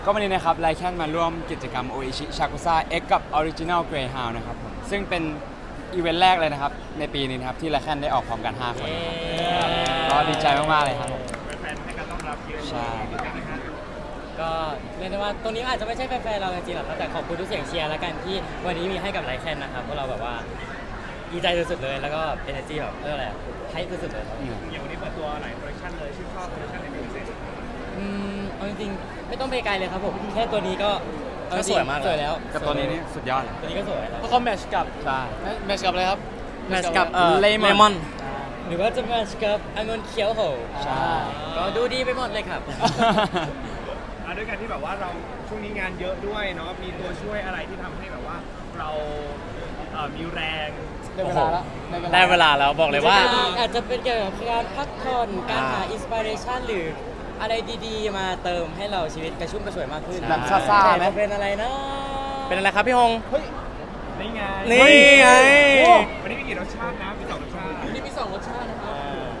ก็วันนี้นะครับไลแคนมาร่วมกิจกรรมโออิชิชากุซ่าเอ็กกับ Original Greyhound นะครับผมซึ่งเป็นอีเวนต์แรกเลยนะครับในปีนี้นะครับที่ไลแคนได้ออกพร้อมกัน 5 คนนะครับก็ดีใจมากๆเลยครับผมแฟนๆให้การต้อนรับเยอะใช่ก็เรียกได้ว่าตรงนี้อาจจะไม่ใช่แฟนๆเราจริงๆหรอกครับแต่ขอบคุณทุกเสียงเชียร์แล้วกันที่วันนี้มีให้กับไลแคนนะครับพวกเราแบบว่าดีใจสุดๆเลยแล้วก็เอเนอร์จีแบบเรื่องอะไรให้สุดๆเลยครับอย่างวันนี้เปิดตัวหลายคอลเลคชันเลยชื่นชอบคอลเลคชันไหนเป็นพิเศษเอาจริงๆไม่ต้องไปไกลเลยครับผมแค่ตัวนี้ก็เอจริงสวยมากเลยสวยแล้วกับตัวนี้นี่สุดยอดเลยตัวนี้ก็สวยแล้วเพราะเขาแมทช์กับใช่แมทช์กับอะไรครับแมทช์กับเลมอนหรือว่าจะแมทช์กับองุ่นเขียวโหใช่ก็ดูดีไปหมดเลยครับด้วยกันที่แบบว่าเราช่วงนี้งานเยอะด้วยเนาะมีตัวช่วยอะไรที่ทำให้แบบว่าเรามีแรงได้เวลาแล้วได้เวลาแล้วบอกเลยว่าอาจจะเป็นเกี่ยวกับการพักผ่อนการหาอินสปิเรชันหรืออะไรดีๆ มาเติมให้เราชีวิตกระชุ่มกระชวยมากขึ้นแบบซ่าๆไหมแต่จะเป็นอะไรนะเป็นอะไรครับพี่ฮงนี่ไงนี่ไงวันนี้มีกี่รสชาตินะมี2รสชาตินี่มี2รสชาตินะครับ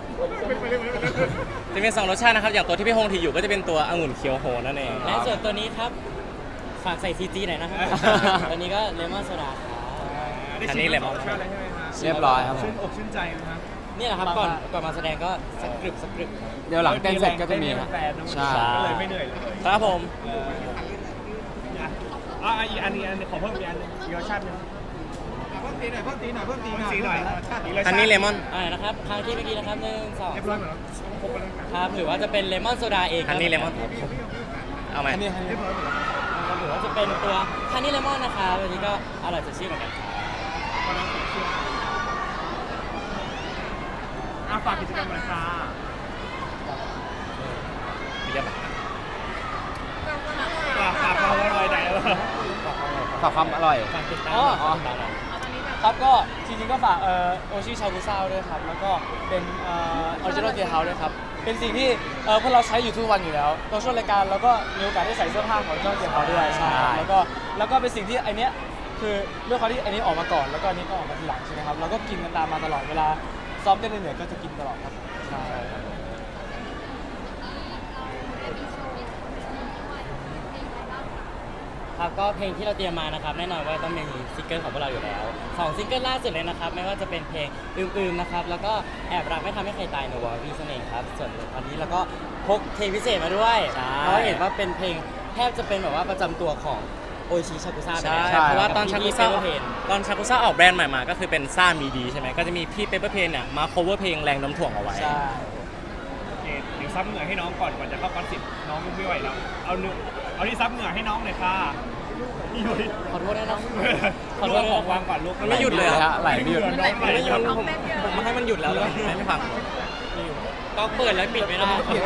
จะเป็น2รสชาตินะครับ อย่างตัวที่พี่ฮงถืออยู่ก็จะเป็นตัวองุ่นเคียวโฮนั่นเองและส่วนตัวนี้ครับ ฝากใส่ซีจีหน่อยนะครับ ตัวนี้ก็เลมอนโซดาครับได้ชิมทั้งสองรสชาติเลยใช่ไหมครับเรียบร้อยครับผมชื่นอกชื่นใจนะครับนี่แหละครับก่อนมาแสดงก็สักกรึบสักกรึบเดี๋ยวหลังเต้นเสร็จก็จะมีครับแฟนๆนะใช่ก็เลยไม่เหนื่อยเลยครับผมอีกอันนี้ขอเพิ่มอีกอันนึงอีกรสชาติหนึงเพิ่มตีหน่อยเพิ่มตีหน่อยอีกรสชาติอันนี้เลมอนนะครับครั้งที่เมื่อกี้นะครับ1 เรียบร้อยหมดแล้วครบแล้วนะ 2ครับหรือว่าจะเป็นเลมอนโซดาเองอันนี้เลมอน เอาไหมเรียบร้อยหมดแล้วหรือว่าจะเป็นตัวฮันนี่เลมอนนะครับตัวนี้ก็อร่อยสดชื่นเหมือนกันครับฝากกิจกรรมหน่อยค่ะเรียบร้อยฝากความอร่อยไหนวะฝากความอร่อยฝากติดตามอ๋อฝากติดตามหน่อยครับก็จริงๆก็ฝากโอชิชากุซ่าด้วยครับแล้วก็เป็นออริจินอลเกียร์เฮาส์ด้วยครับเป็นสิ่งที่พวกเราใช้อยู่ทุกวันอยู่แล้วตอนช่วงรายการเราก็มีโอกาสได้ใส่เสื้อผ้าของเจ้าเกียร์เฮาส์ด้วยใช่แล้วก็เป็นสิ่งที่ไอเนี้ยคือด้วยความที่ไอนี้ออกมาก่อนแล้วก็อันนี้ก็ออกมาทีหลังใช่ไหมครับเราก็กินกันตามมาตลอดเวลาซ้อมเต้นเหนื่อยๆก็จะกินตลอดครับใช่ครับก็เพลงที่เราเตรียมมานะครับแน่นอนว่าต้องมีซิงเกิลของพวกเราอยู่แล้ว2ซิงเกิลล่าสุดเลยนะครับไม่ว่าจะเป็นเพลงอืมๆนะครับแล้วก็แอบรักไม่ทำให้ใครตายในวอร์วีนั่นเองครับส่วนวันนี้เราก็พกเพลงพิเศษมาด้วยเพราะเห็นว่าเป็นเพลงแทบจะเป็นแบบว่าประจำตัวของโอชิชากุซ่าใช่ใช่เพราะว่าตอนชากุซ่าเพลงตอนชากุซ่าออกแบรนด์ใหม่มาก็คือเป็นซ่ามีดีใช่ไหมก็จะมีพี่เปเปอร์เพนเนี่ยมา cover เพลงแรงน้ำถ่วงเอาไว้ใช่โอเคเดี๋ยวซับเหงื่อให้น้องก่อนจะเข้าคอนเสิร์ตน้องไม่ไหวแล้วเอาที่ซับเหงื่อให้น้องเลยค่ะพี่ยุ้ยขอโทษด้วยนะขอโทษของวางก่อนลูกมันไม่หยุดเลยเหรอไหลไม่หยุดน้องไหลไม่หยุดผมมาให้มันหยุดแล้วเลยไม่ฟังก็เปิดแล้วปิดไม่ได้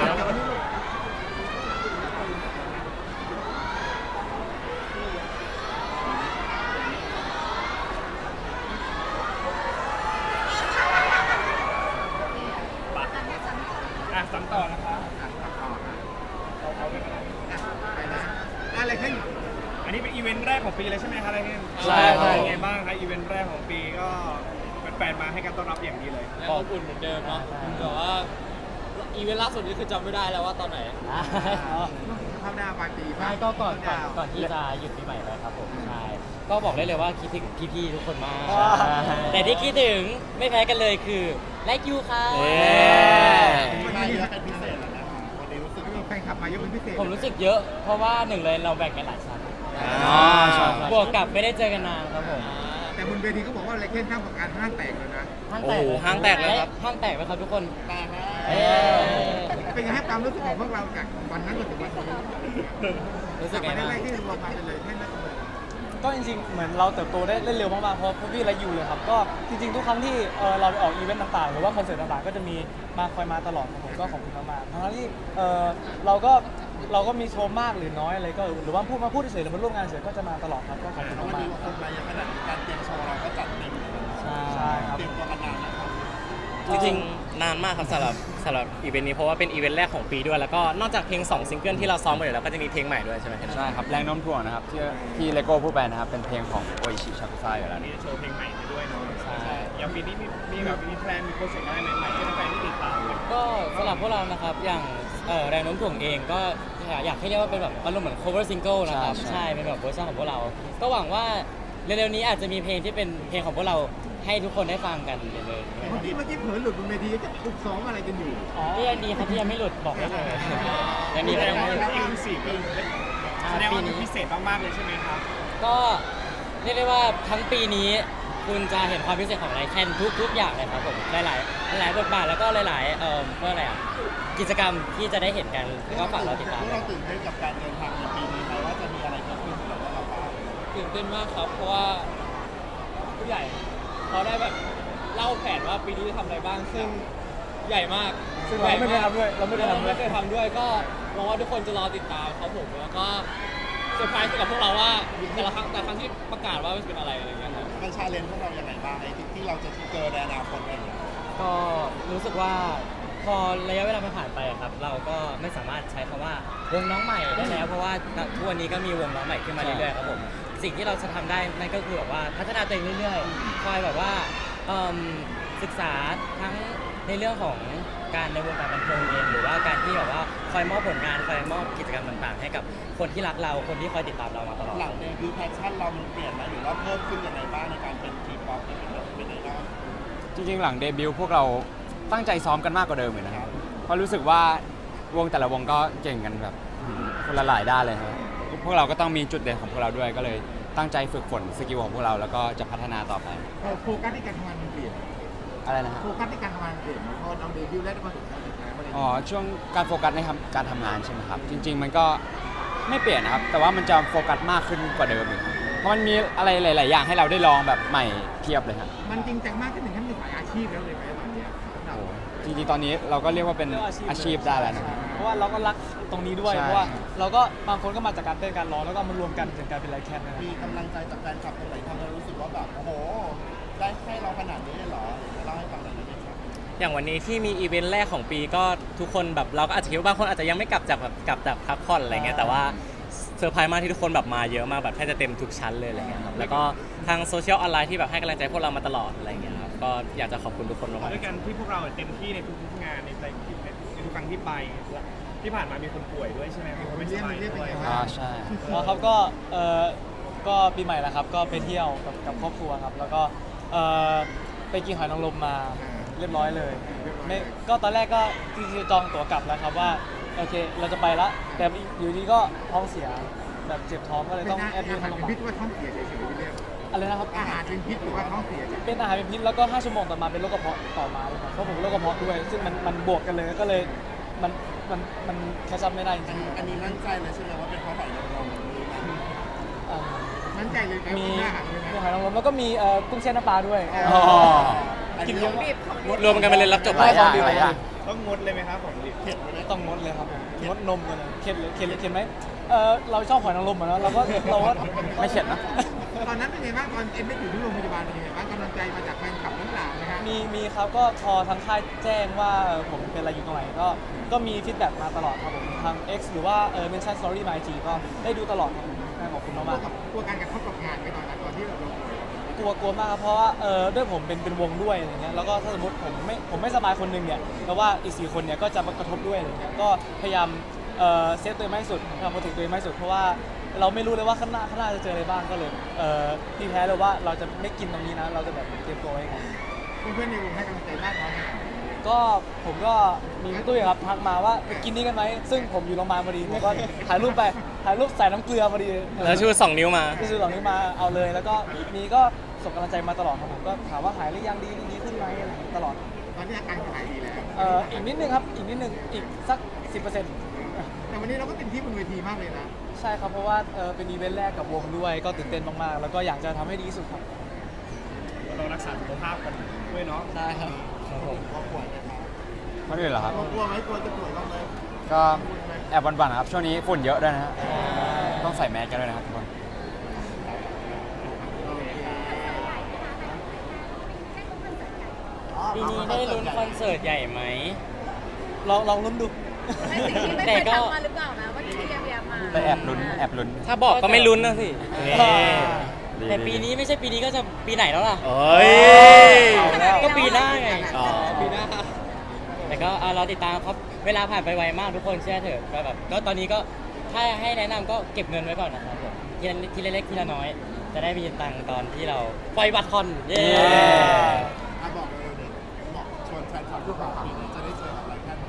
ซ้ำต่อนะคะเอาด้วยกันอะไรขึ้นอันนี้เป็นอีเวนต์แรกของปีเลยใช่ไหมคะอะไรขึ้นใช่ครับเป็นไงบ้างคะอีเวนต์แรกของปีก็แฟนๆมาให้การต้อนรับอย่างดีเลยแล้วอบอุ่นเหมือนเดิมเนาะแต่ว่าอีเวนต์ล่าสุดนี้คือจำไม่ได้แล้วว่าตอนไหนเข้าหน้าปลายปีใช่ก็ก่อนที่จะหยุดปีใหม่ไปครับผมใช่ก็บอกได้เลยว่าคิดถึงพี่ๆทุกคนมากว้าวแต่ที่คิดถึงไม่แพ้กันเลยคือไลค์ยูค่ะเย้วันนี้เป็นพิเศษแล้วนะวันนี้รู้สึกว่าแฟนคลับมาเยอะเป็นพิเศษผมรู้สึกเยอะ เพราะว่าหนึ่งเลยเราแบ่งกันหลายชั้นอ๋อใช่บวกกับไม่ได้เจอกันนานครับผมแต่บนเวทีเขาบอกว่าอะไรเข้นข้ามกับการห้างแตกเลยนะโอ้โหห้างแตกเลยครับห้างแตกไหมครับทุกคนแตกเอ้ยเป็นไงให้ความรู้สึกของพวกเราจากวันนั้นจนถึงวันนี้รู้สึกไงไม่ได้บ้างไล่ที่รวมมาเป็นเลยแค่นั้นเลยก็จริงๆเหมือนเราเติบโตได้เร็วมากๆเพราะพี่และยูเลยครับก็จริงๆทุกครั้งที่เราไปออกอีเวนต์ต่างๆหรือว่าคอนเสิร์ตต่างๆก็จะมีคอยมาตลอดครับผมก็ขอบคุณมากๆทั้งที่เราก็มีโชว์มากหรือน้อยอะไรก็หรือว่าพูดเฉยๆหรือมาร่วมงานเฉยๆก็จะมาตลอดครับก็ขอบคุณมากๆคนมาอย่างขนาดการเตรียมโชว์เราก็จัดเต็มใช่ครับเตรียมตัวกันนานนะครับจริงๆนานมากครับสำหรับอีเวนต์นี้เพราะว่าเป็นอีเวนต์แรกของปีด้วยแล้วก็นอกจากเพลง2ซิงเกิลที่เราซ้อมไปอยู่แล้วก็จะมีเพลงใหม่ด้วยใช่ไหมใช่ครับแรงโน้มถ่วงนะครับที่เลโก้พูดไปนะครับเป็นเพลงของโออิชิชากุซ่าอยู่แล้วอันนี้โชว์เพลงใหม่ไปด้วยเนาะใช่อย่างปีนี้มีแบบมีแพลนมีโปรเจกต์อะไรใหม่ๆให้แฟนๆที่ติดตามเลยก็สำหรับพวกเรานะครับอย่างแรงโน้มถ่วงเองก็อยากให้เรียกว่าเป็นแบบอารมณ์เหมือน cover single นะครับใช่ใช่เป็นแบบเวอร์ชันของพวกเรา ก็หวังว่าเร็วๆนี้อาจจะมีเพลงที่เป็นเพลงของพวกเราให้ทุกคนได้ฟังกันเลยเมื่อกี้เผลอหลุดบนเวทีจะถูกซ้อมอะไรกันอยู่ที่ยังดีครับที่ยังไม่หลุดบอกได้เลยยังดีแสไม่ดต้อง งว่าไม่หลุดเอ็กซ์คลูซีฟแสดงว่ามันพิเศษมากๆเลยใช่ไหมครับก็เรียกได้ว่าทั้งปีนี้คุณจะเห็นความพิเศษของไลแคนทุกอย่างเลยครับผมหลายบทบาทแล้วก็หลายเมื่ออะไรอ่ะกิจกรรมที่จะได้เห็นกันก็ฝากเราติดตามเราตื่นเต้นกับการเดินทางในปีนี้ไหมว่าจะมีอะไรเกิดขึ้นกับเราบ้างตื่นเต้นมากครับ เพราะว่าผู้ใหญ่เขาได้แบบเล่าแผนว่าปีนี้จะทำอะไรบ้างซึ่งใหญ่มากซึ่งเราไม่เคยทำด้วยเราไม่เคยทำด้วยก็หวังว่าทุกคนจะรอติดตามครับผมแล้วก็เซอร์ไพรส์กับพวกเราว่าแต่ละครั้งที่ประกาศว่ามันเป็นอะไรอย่างเงี้ยครับมันชาเลนจ์พวกเราอย่างไรบ้างไอ้ที่เราจะเจอในอนาคตอะไรอย่างเงี้ยก็รู้สึกว่าพอระยะเวลามันผ่านไปอะครับ เราก็ไม่สามารถใช้คำว่าวงน้องใหม่ได้แล้ว เพราะว่าทุกวันนี้ก็มีวงน้องใหม่ขึ้นมาเรื่อยๆครับผมสิ่งที่เราจะทำได้นั่นก็คือแบบว่าพัฒนาตัวเองเรื่อยๆคอยแบบว่าศึกษาทั้งในเรื่องของการในวงการบันเทิงเองหรือว่าการที่แบบว่าคอยมอบผลงานคอยมอบกิจกรรมต่างๆ ให้กับคนที่รักเราคนที่คอยติดตามเรามาตลอดหลังเนี่ยคือแพชชั่นเรามันเปลี่ยนไหมหรือว่าเพิ่มขึ้นยังไงบ้างในการเป็นทีป๊อปเป็นไอดอลจริงๆ หลังเดบิวต์พวกเราตั้งใจซ้อมกันมากกว่าเดิมเลยนะครับเพราะรู้สึกว่าวงแต่ละวงก็เก่งกันแบบคนละหลายด้านเลยครับพวกเราก็ต้องมีจุดเด่นของพวกเราด้วยก็เลยตั้งใจฝึกฝนสกิลของพวกเราแล้วก็จะพัฒนาต่อไปโฟกัสในการทำงานมันเปลี่ยนอะไรนะฮะโฟกัสในการทำงานเปลี่ยนพอเราเดบิวต์แล้วได้มาถึงการสุดท้ายอ๋อช่วงการโฟกัสในการทำงานใช่ไหมครับจริง ๆ มันก็ไม่เปลี่ยนนะครับแต่ว่ามันจะโฟกัสมากขึ้นกว่าเดิมอีกครับเพราะมันมีอะไรหลาย ๆ อย่างให้เราได้ลองแบบใหม่เพียบเลยครับมันจริงจังมากขึ้นถึงขั้นเป็นสายอาชีพแล้วเลยไหมตอนเนี้ยโอ้จริง ๆ ตอนนี้เราก็เรียกว่าเป็นอาชีพได้แล้วนะเพราะว่าเราก็รักตรงนี้ด้วยใช่เพราะว่าเราก็บางคนก็มาจากการเต้นการร้องแล้วก็มารวมกันถึงการเป็นไลแคนนะครับมีกำลังใจจากแฟนคลับคนไหนทำให้เรารู้สึกว่าแบบโอ้โหได้ให้เราขนาดนี้เลยเหรอเล่าให้ฟังหน่อยได้ไหมครับอย่างวันนี้ที่มีอีเวนต์แรกของปีก็ทุกคนแบบเราก็อาจจะคิดว่าบางคนอาจจะยังไม่กลับจากพักผ่อนอะไรเงี้ยแต่ว่าเซอร์ไพรส์มากที่ทุกคนแบบมาเยอะมากแบบแทบจะเต็มทุกชั้นเลยอะไรเงี้ยครับแล้วก็ทางโซเชียลออนไลน์ที่แบบให้กำลังใจพวกเรามาตลอดอะไรเงี้ยครับก็อยากจะขอบคุณทุกคนมากๆด้วยกันที่พวกเราเต็มที่ในทุกๆงานในทุกครั้งที่ไปที่ผ่านมามีคนป่วยด้วยใช่ไหมมีคนไม่สบายด้วยใช่แล้วครับก็ปีใหม่แล้วครับก็ไปเที่ยวกับครอบครัวครับแล้วก็ไปกินหอยนางรมมาเรียบร้อยเลยไม่ก็ตอนแรกก็จริงๆจองตั๋วกลับแล้วครับว่าโอเคเราจะไปละแต่อยู่ดีก็ท้องเสียแบบเจ็บท้องก็เลยต้องแอดมิทเข้าโรงพยาบาพิษลว่าท้องเสียเฉยๆพี่เรียกอะไรนะครับอาหารเป็นพิษหรือว่าท้องเสียเฉยเป็นอาหารเป็นพิษแล้วก็5ชั่วโมงต่อมาเป็นโรคกระเพาะต่อมาเลยครับเพราะผมเป็นโรคกระเพาะด้วย ซึ่งมันบวกกันเลยก็เลยมันแคชชัพไม่ได้จริงอันนี้มั่นใจเลยใช่ไหมว่าเป็นเพราะหอยนางรมๆอ่ามั่นใจเลยไหมมีว่าอาหารเลยหอยนางรมแล้วก็มีกุ้งแช่น้ำปลาด้วยอ๋อกินเยอะมากรวมกันไปเลยรับจบหลายอย่างหลายอย่างต้องงดเลยไหมครับของดิบเผ็ดไหมต้องงดเลยครับผมงดนมกันเลยเข็ดไหมเราชอบหอยนางรมเหมือนเราก็ไม่เข็ดนะตอนนั้นเป็นไงบ้างตอนเอ็มได้อยู่ที่โรงพยาบาลเป็นยังไงบ้างกำลังใจมาจากแฟนคลับทั้งหลายนะฮะมีครับก็พอทางค่ายแจ้งว่าผมเป็นอะไรอยู่ตรงไหนก็มีฟีดแบ็กมาตลอดครับผมทาง X หรือว่าMention Story My G ก็ได้ดูตลอดครับผมขอบคุณมากๆครับกลัวการกระทบกับงานไหมตอนนั้นตอนที่เราป่วยกลัวมากครับเพราะว่าด้วยผมเป็นวงด้วยอะไรเงี้ยแล้วก็ถ้าสมมติผมไม่สบายคนหนึงเนี่ยแล้วว่าอีก4คนเนี่ยก็จะมากระทบด้วยอะไรเงี้ยก็พยายามเซฟตัวเองมากที่สุดพยายามโปรเทคตัวเองมากที่สุดเพราะว่าเราไม่รู้เลยว่าข้างหน้าจะเจออะไรบ้างก็เลยพี่แพ้เลยว่าเราจะไม่กินตรงนี้นะเราจะแบบเตรียมตัวไว้ไงเพื่อนๆในวงให้กำลังใจมากน้อยขนาดไหนก็ผมก็มีพี่ตุ้ยครับทักมาว่าไปกินนี่กันไหมซึ่งผมอยู่โรงพยาบาลพอดีผมก็ถ่ายรูปใส่น้ำเกลือพอดีแล้วชู2 นิ้วมาที่ซื้อเหล่านี้มาเอาเลยแล้วก็มีก็ส่งกำลังใจมาตลอดครับผมก็ถามว่าหายหรือยังดีขึ้นไหมอะไรอย่างเงี้ยตลอดตอนนี้อาการหายดีแล้วอีกนิดนึงครับอีกนิดนึงอีกสัก 10% แต่วันนี้เราก็เต็มที่บนเวทีมากเลยนะใช่ครับเพราะว่าเป็นอีเวนต์แรกกับวงด้วยก็ตื่นเต้นมากๆ แล้วก็อยากจะทำให้ดีที่สุดครับเรารักษาสุขภาพกันด้วยเนาะได้ครับกลัวป่วยนะครับคนอื่นเหรอครับกลัวไหมกลัวจะป่วยบ้างไหมก็แอบหวั่นๆครับช่วงนี้ฝุ่นเยอะด้วยนะฮะต้องใส่แมสกันด้วยนะครับทุกคนปีนี้ได้ลุ้นคอนเสิร์ตใหญ่ไหมลองลุ้นดูในสิ่งที่ไม่เคยทำมาหรือเปล่านะว่าที่เรียบมาแต่แอบลุ้นถ้าบอกก็ไม่ลุ้นนะสิดีแต่ปีนี้ไม่ใช่ปีนี้ก็จะปีไหนแล้วล่ะเอ้ยก็ปีหน้าไงอ๋อปีหน้าแต่ก็เราติดตามครับเวลาผ่านไปไวมากทุกคนเชื่อเถอะก็แบบก็ตอนนี้ก็ถ้าให้แนะนำก็เก็บเงินไว้ก่อนนะครับผมทีละเล็กทีละน้อย จะได้มีตังค์ตอนที่เราปล่อยบัตรคอนเย้บอกเลยเด็กบอกชวนแฟนคลับทุกคนปีนี้จะได้เจออะไรแค่ไหน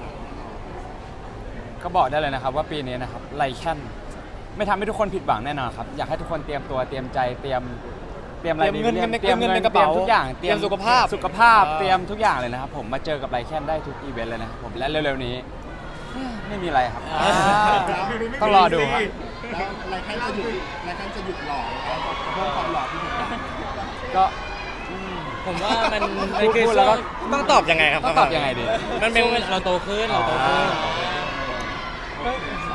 ก็บอกได้เลยนะครับว่าปีนี้นะครับไลแคนไม่ทำให้ทุกคนผิดหวังแน่นอนครับอยากให้ทุกคนเตรียมตัวเตรียมใจเตรียมอะไรดีเตรียมเงินเตรียมในกระเป๋าทุกอย่างเตรียมสุขภาพเตรียมทุกอย่างเลยนะครับผมมาเจอกับไลแคนได้ทุกอีเวนต์เลยนะครับผมและเร็วๆนี้ ไม่มีอะไรครับ ต้องรอดูครับแล้วอะไรแค่จะหยุดหล่อแล้วเพิ่มความหล่อที่ถูกต้องก็ผมว่ามันพูดแล้วก็ต้องตอบยังไงครับต้องตอบยังไงดีมันเป็นเราโตขึ้นเราโตขึ้นก็